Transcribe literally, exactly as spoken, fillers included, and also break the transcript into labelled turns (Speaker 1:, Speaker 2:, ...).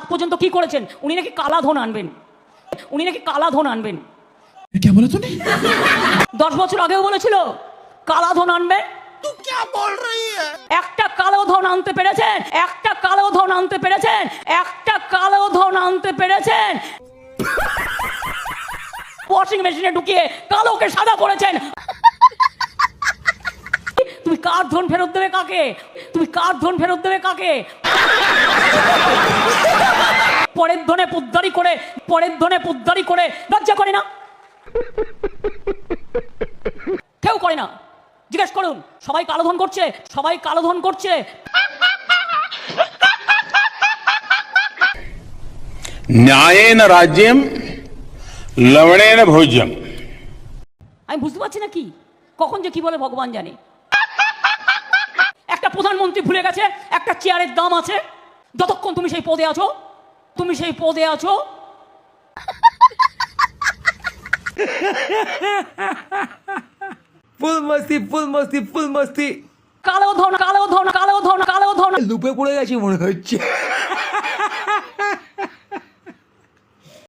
Speaker 1: পর্যন্ত কি করেছেন? উনি নাকি কালা ধন আনবেন, উনি নাকি কালা ধন আনবেন।
Speaker 2: क्या बोला तूने?
Speaker 1: দশ বছর আগেও বলেছিল কালা ধন আনবে।
Speaker 2: तू क्या बोल रही है?
Speaker 1: একটা কালো ধন আনতে পেরেছেন? একটা কালো ধন আনতে পেরেছেন? একটা কালো ধন আনতে পেরেছেন? ওয়াশিং মেশিনে ঢুকিয়ে কালোকে সাদা করেছেন। তুমি কার ধন ফেরত দেবে কাকে? তুমি কার ধন ফেরত দেবে কাকে? পরের ধনে পুদ্দারি করে, পরের ধনে পুদ্দারি করে লজ্জা করে না? কেউ করে না। জিজ্ঞেস করুন, সবাই কালো ধন করছে, সবাই কালো ধন করছে।
Speaker 3: न्यायेन राज्यम लवणेन भोज्यम।
Speaker 1: আমি বুঝতে পারছি না কি কখন যে কি বলে ভগবান জানে। একটা প্রধানমন্ত্রী ভুলে গেছে একটা চেয়ারের দাম আছে। যতক্ষণ তুমি সেই পদে আছো, তুমি সেই পদে আছো,
Speaker 4: ফুল মস্তি ফুল মস্তি ফুল মস্তি।
Speaker 1: কালো ধন কালো ধন কালো ধন কালো ধন
Speaker 4: লুপে পড়ে গেছি মনে হচ্ছে।